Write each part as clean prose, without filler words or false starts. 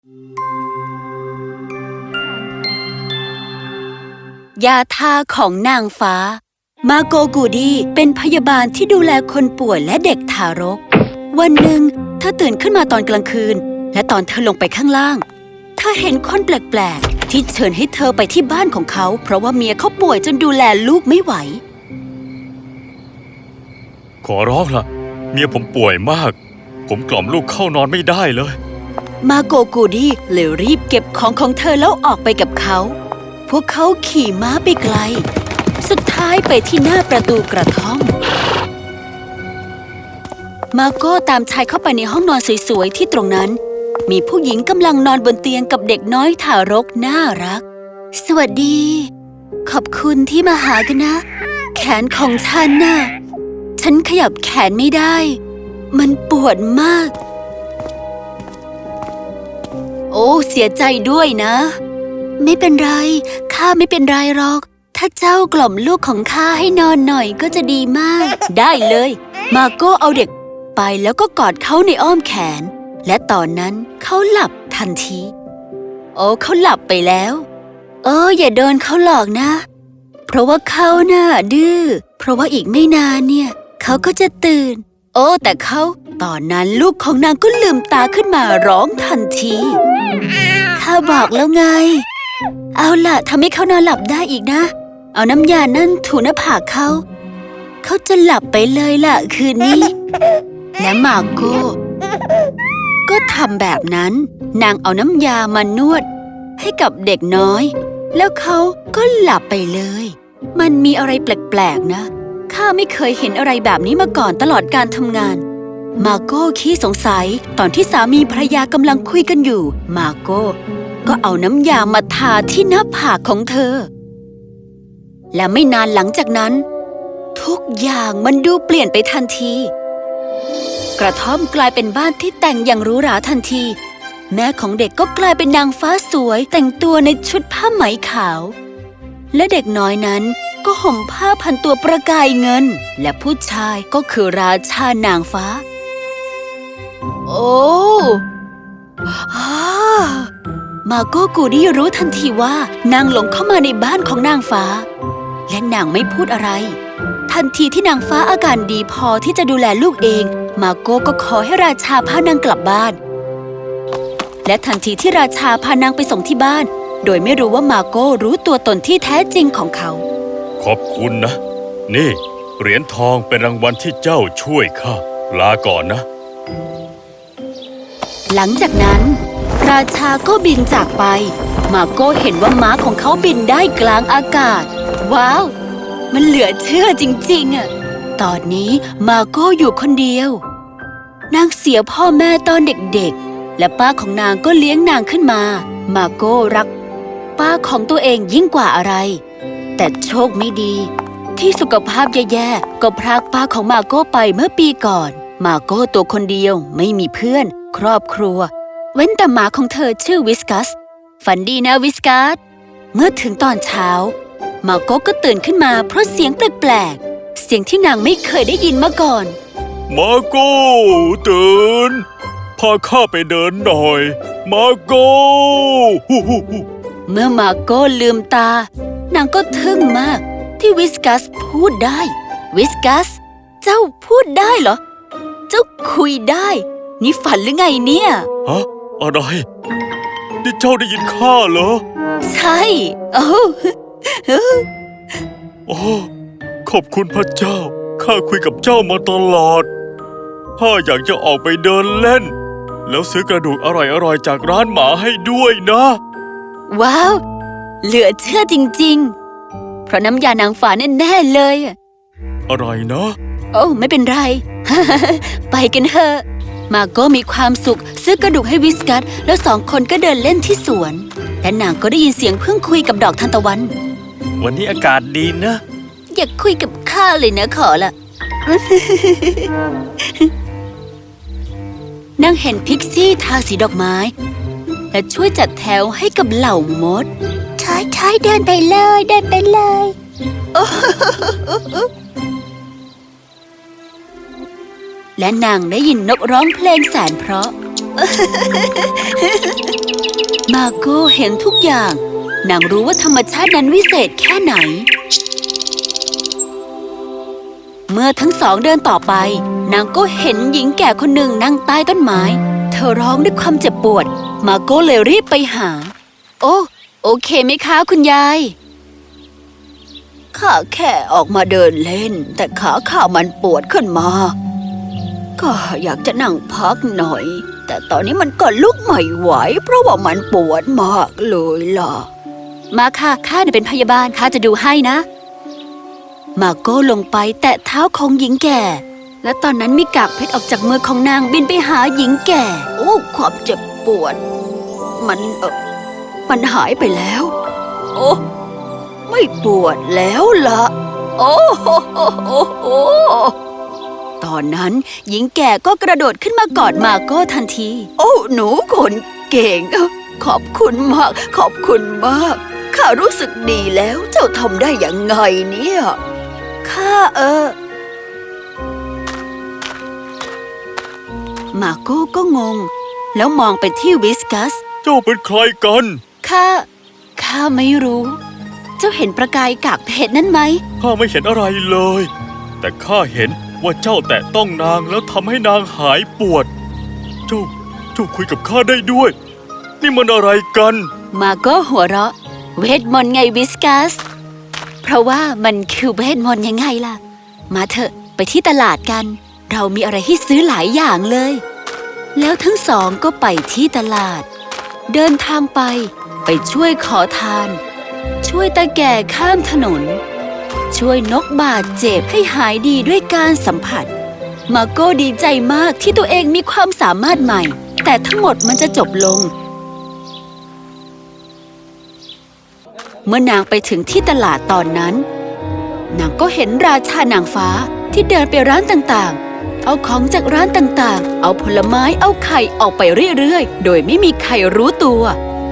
ยาทาของนางฟ้ามาโกกูดีเป็นพยาบาลที่ดูแลคนป่วยและเด็กทารกวันหนึ่งเธอตื่นขึ้นมาตอนกลางคืนและตอนเธอลงไปข้างล่างเธอเห็นคนแปลกๆที่เชิญให้เธอไปที่บ้านของเขาเพราะว่าเมียเขาป่วยจนดูแลลูกไม่ไหวขอร้องล่ะเมียผมป่วยมากผมกล่อมลูกเข้านอนไม่ได้เลยมาโกกูดีเลยรีบเก็บของเธอแล้วออกไปกับเขาพวกเขาขี่ม้าไปไกลสุดท้ายไปที่หน้าประตูกระท่อมมาโก้ตามชายเข้าไปในห้องนอนสวยๆที่ตรงนั้นมีผู้หญิงกำลังนอนบนเตียงกับเด็กน้อยทารกน่ารักสวัสดีขอบคุณที่มาหากันนะแขนของฉันน่ะฉันขยับแขนไม่ได้มันปวดมากโอ้เสียใจด้วยนะไม่เป็นไรข้าไม่เป็นไรหรอกถ้าเจ้ากล่อมลูกของข้าให้นอนหน่อยก็จะดีมากได้เลยมาโก้เอาเด็กไปแล้วก็กอดเขาในอ้อมแขนและตอนนั้นเขาหลับทันทีโอ้เขาหลับไปแล้วอย่าโดนเขาหลอกนะเพราะว่าเขาน่ะดื้อเพราะว่าอีกไม่นานเนี่ยเขาก็จะตื่นแต่เขาตอนนั้นลูกของนางก็ลืมตาขึ้นมาร้องทันทีข้าบอกแล้วไงเอาล่ะทำให้เขานอนหลับได้อีกนะเอาน้ำยานั่นถูหน้าผากเขาจะหลับไปเลยล่ะคืนนี้และมาโก้ก็ทำแบบนั้นนางเอาน้ำยามานวดให้กับเด็กน้อยแล้วเขาก็หลับไปเลยมันมีอะไรแปลกๆนะข้าไม่เคยเห็นอะไรแบบนี้มาก่อนตลอดการทำงานมาโก้ขี้สงสัยตอนที่สามีภรรยากำลังคุยกันอยู่มาโก้ก็เอาน้ำยามาทาที่หน้าผากของเธอและไม่นานหลังจากนั้นทุกอย่างมันดูเปลี่ยนไปทันทีกระท่อมกลายเป็นบ้านที่แต่งอย่างหรูหราทันทีแม่ของเด็กก็กลายเป็นนางฟ้าสวยแต่งตัวในชุดผ้าไหมขาวและเด็กน้อยนั้นก็ห่มผ้าพันตัวประกายเงินและผู้ชายก็คือราชานางฟ้ามาโก้กูดี้รู้ทันทีว่านางหลงเข้ามาในบ้านของนางฟ้าและนางไม่พูดอะไรทันทีที่นางฟ้าอาการดีพอที่จะดูแลลูกเองมาโก้ก็ขอให้ราชาพานางกลับบ้านและทันทีที่ราชาพานางไปส่งที่บ้านโดยไม่รู้ว่ามาโก้รู้ตัวตนที่แท้จริงของเขาขอบคุณนะนี่เหรียญทองเป็นรางวัลที่เจ้าช่วยข้าลาก่อนนะหลังจากนั้นราชาก็บินจากไปมาโก้เห็นว่าม้าของเขาบินได้กลางอากาศว้าวมันเหลือเชื่อจริงๆตอนนี้มาโก้อยู่คนเดียวนางเสียพ่อแม่ตอนเด็กๆและป้าของนางก็เลี้ยงนางขึ้นมามาโก้รักป้าของตัวเองยิ่งกว่าอะไรแต่โชคไม่ดีที่สุขภาพแย่ๆก็พรากป้าของมาโก้ไปเมื่อปีก่อนมาโก้ตัวคนเดียวไม่มีเพื่อนครอบครัวเว้นแต่หมาของเธอชื่อวิสกัสฝันดีนะวิสกัสเมื่อถึงตอนเช้ามาโก้ก็ตื่นขึ้นมาเพราะเสียงแปลกๆเสียงที่นางไม่เคยได้ยินมาก่อนมาโก้ตื่นพาข้าไปเดินหน่อยมาโก้เมื่อมาโก้ลืมตานางก็ทึ่งมากที่วิสกัสพูดได้วิสกัสเจ้าพูดได้เหรอเจ้าคุยได้นี่ฝันหรือไงเนี่ยฮะอะไรนี่เจ้าได้ยินข้าเหรอใช่โอ้ขอบคุณพระเจ้าข้าคุยกับเจ้ามาตลอดข้าอยากจะออกไปเดินเล่นแล้วซื้อกระดูกอร่อยๆจากร้านหมาให้ด้วยนะว้าวเหลือเชื่อจริงๆเพราะน้ำยานางฟ้าแน่ๆเลยอะไรนะไม่เป็นไร ไปกันเถอะมาโก้มีความสุขซื้อกระดูกให้วิสกัสแล้วสองคนก็เดินเล่นที่สวนและนางก็ได้ยินเสียงเพิ่งคุยกับดอกทานตะวันวันนี้อากาศดีนะอย่าคุยกับข้าเลยนะขอละ นางเห็นพิกซี่ทาสีดอกไม้และช่วยจัดแถวให้กับเหล่ามดใช่เดินไปเลยเดินไปเลยและนางได้ยินนกร้องเพลงแสนเพราะมาโก้เห็นทุกอย่างนางรู้ว่าธรรมชาตินั้นวิเศษแค่ไหนเมื่อทั้งสองเดินต่อไปนางก็เห็นหญิงแก่คนหนึ่งนั่งใต้ต้นไม้เธอร้องด้วยความเจ็บปวดมาโก้เลยรีบไปหาโอเคไหมคะคุณยายข้าแค่ออกมาเดินเล่นแต่ขาข้ามันปวดขึ้นมาก็อยากจะนั่งพักหน่อยแต่ตอนนี้มันก็ลุกไม่ไหวเพราะว่ามันปวดมากเลยล่ะมาค่ะข้าเป็นพยาบาลข้าจะดูให้นะมาโก้ลงไปแตะเท้าของหญิงแก่และตอนนั้นมีกากเพชรออกจากมือของนางบินไปหาหญิงแก่ความเจ็บปวดมันหายไปแล้วไม่ปวดแล้วล่ะตอนนั้นหญิงแก่ก็กระโดดขึ้นมากอดมาโก้ทันทีหนูคนเก่งขอบคุณมากขอบคุณมากข้ารู้สึกดีแล้วเจ้าทำได้ยังไงเนี่ยข้ามาโก้ก็งงแล้วมองไปที่วิสกัสเจ้าเป็นใครกันข้าไม่รู้เจ้าเห็นประกายกากเพชรนั่นไหมข้าไม่เห็นอะไรเลยแต่ข้าเห็นว่าเจ้าแตะต้องนางแล้วทำให้นางหายปวดเจ้าคุยกับข้าได้ด้วยนี่มันอะไรกันมาโก้หัวเราะเวทมนต์ไงวิสกัสเพราะว่ามันคือเวทมนต์ยังไงล่ะมาเถอะไปที่ตลาดกันเรามีอะไรให้ซื้อหลายอย่างเลยแล้วทั้งสองก็ไปที่ตลาดเดินทางไปช่วยขอทานช่วยตาแก่ข้ามถนนช่วยนกบาดเจ็บให้หายดีด้วยการสัมผัสมาโก้ดีใจมากที่ตัวเองมีความสามารถใหม่แต่ทั้งหมดมันจะจบลงเมื่อนางไปถึงที่ตลาดตอนนั้นนางก็เห็นราชานางฟ้าที่เดินไปร้านต่างๆเอาของจากร้านต่างๆเอาผลไม้เอาไข่ออกไปเรื่อยๆโดยไม่มีใครรู้ตัว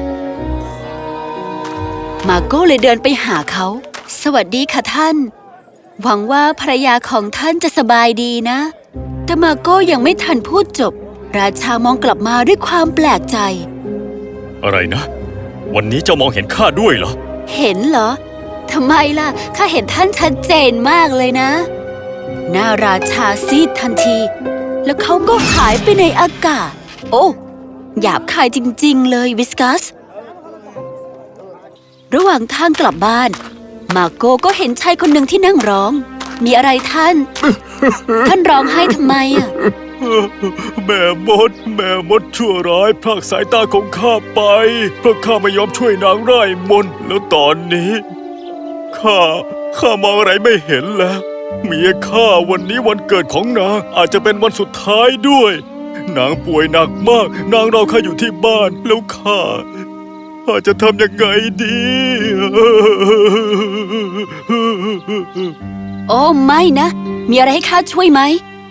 มาโก้เลยเดินไปหาเขาสวัสดีค่ะท่านหวังว่าภรรยาของท่านจะสบายดีนะแต่มาโก้ยังไม่ทันพูดจบราชามองกลับมาด้วยความแปลกใจอะไรนะวันนี้เจ้ามองเห็นข้าด้วยเหรอเห็นเหรอทำไมล่ะข้าเห็นท่านชัดเจนมากเลยนะหน้าราชาซีดทันทีแล้วเขาก็หายไปในอากาศหยาบคายจริงๆเลยวิสกัสระหว่างทางกลับบ้านมาโก้ก็เห็นชายคนหนึ่งที่นั่งร้องมีอะไรท่าน ท่านร้องไห้ทำไมแม่มดชั่วร้ายพรากสายตาของข้าไปเพราะข้าไม่ยอมช่วยนางไร้มนต์แล้วตอนนี้ข้ามองอะไรไม่เห็นแล้วเมียข้าวันนี้วันเกิดของนางอาจจะเป็นวันสุดท้ายด้วยนางป่วยหนักมากนางรอข้าอยู่ที่บ้านแล้วข้าจะทำยังไงดีไม่นะมีอะไรให้ข้าช่วยไหม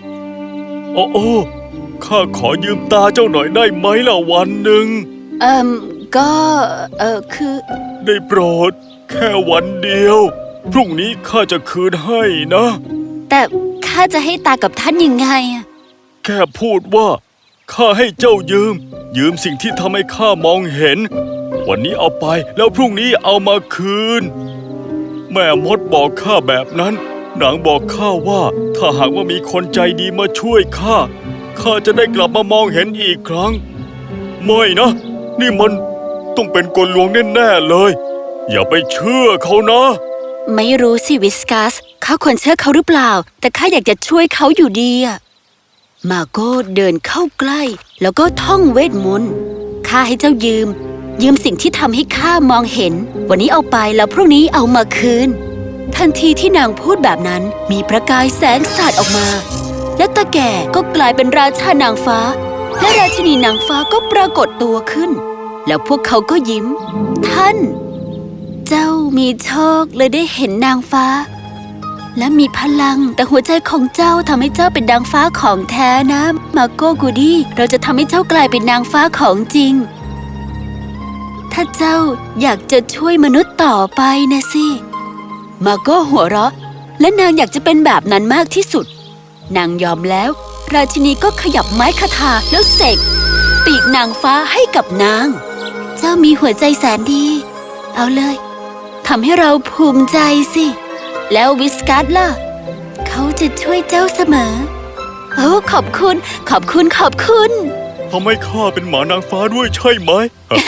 ข้าขอยืมตาเจ้าหน่อยได้ไหมล่ะวันหนึ่งก็คือได้โปรดแค่วันเดียวพรุ่งนี้ข้าจะคืนให้นะแต่ข้าจะให้ตากับท่านยังไงแค่พูดว่าข้าให้เจ้ายืมสิ่งที่ทำให้ข้ามองเห็นวันนี้เอาไปแล้วพรุ่งนี้เอามาคืนแม่มดบอกข้าแบบนั้นนางบอกข้าว่าถ้าหากว่ามีคนใจดีมาช่วยข้าจะได้กลับมามองเห็นอีกครั้งไม่นะนี่มันต้องเป็นกลลวงแน่ๆเลยอย่าไปเชื่อเขานะไม่รู้สิวิสกัสข้าควรเชื่อเขาหรือเปล่าแต่ข้าอยากจะช่วยเขาอยู่ดีมาโก้เดินเข้าใกล้แล้วก็ท่องเวทมนต์ข้าให้เจ้ายืมสิ่งที่ทำให้ข้ามองเห็นวันนี้เอาไปแล้วพรุ่งนี้เอามาคืนทันทีที่นางพูดแบบนั้นมีประกายแสงสาดออกมาและตาแก่ก็กลายเป็นราชานางฟ้าและราชินีนางฟ้าก็ปรากฏตัวขึ้นแล้วพวกเขาก็ยิ้มท่านเจ้ามีโชคเลยได้เห็นนางฟ้าและมีพลังแต่หัวใจของเจ้าทำให้เจ้าเป็นนางฟ้าของแท้นะมาโก้กูดี้เราจะทำให้เจ้ากลายเป็นนางฟ้าของจริงถ้าเจ้าอยากจะช่วยมนุษย์ต่อไปนะสิมาโก้หัวเราะและนางอยากจะเป็นแบบนั้นมากที่สุดนางยอมแล้วราชินีก็ขยับไม้คาถาแล้วเสกไปปีกนางฟ้าให้กับนางเจ้ามีหัวใจแสนดีเอาเลยทำให้เราภูมิใจสิแล้ววิสกัสล่ะเขาจะช่วยเจ้าเสมอโอ้ขอบคุณขอบคุณขอบคุณทำให้ข้าเป็นหมานางฟ้าด้วยใช่ไหม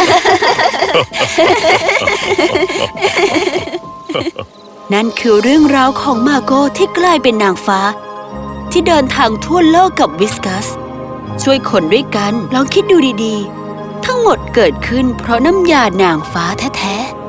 นั่นคือเรื่องราวของมาโกที่กลายเป็นนางฟ้าที่เดินทางทั่วโลกกับวิสกัสช่วยคนด้วยกันลองคิดดูดีๆทั้งหมดเกิดขึ้นเพราะน้ำยานางฟ้าแท้ๆ